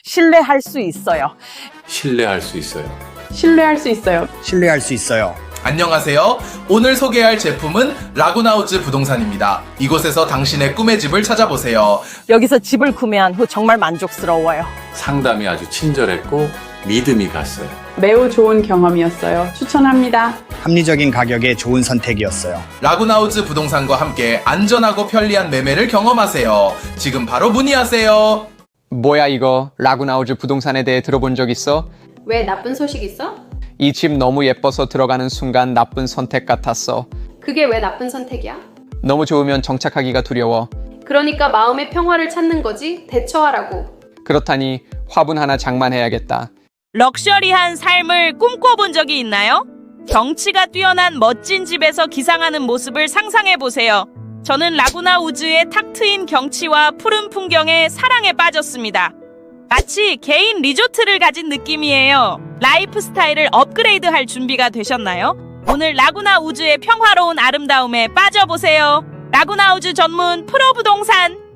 신뢰할 수 있어요. 신뢰할 수 있어요. 신뢰할 수 있어요. 신뢰할 수 있어요. 안녕하세요. 오늘 소개할 제품은 라구나우즈 부동산입니다. 이곳에서 당신의 꿈의 집을 찾아보세요. 여기서 집을 구매한 후 정말 만족스러워요. 상담이 아주 친절했고 믿음이 갔어요. 매우 좋은 경험이었어요. 추천합니다. 합리적인 가격에 좋은 선택이었어요. 라구나우즈 부동산과 함께 안전하고 편리한 매매를 경험하세요. 지금 바로 문의하세요. 뭐야 이거? 라구나우즈 부동산에 대해 들어본 적 있어? 왜 나쁜 소식 있어? 이 집 너무 예뻐서 들어가는 순간 나쁜 선택 같았어. 그게 왜 나쁜 선택이야? 너무 좋으면 정착하기가 두려워. 그러니까 마음의 평화를 찾는 거지. 대처하라고. 그렇다니 화분 하나 장만해야겠다. 럭셔리한 삶을 꿈꿔본 적이 있나요? 경치가 뛰어난 멋진 집에서 기상하는 모습을 상상해보세요. 저는 라구나 우즈의 탁 트인 경치와 푸른 풍경에 사랑에 빠졌습니다. 마치 개인 리조트를 가진 느낌이에요. 라이프 스타일을 업그레이드할 준비가 되셨나요? 오늘 라구나 우즈의 평화로운 아름다움에 빠져보세요. 라구나 우즈 전문 프로 부동산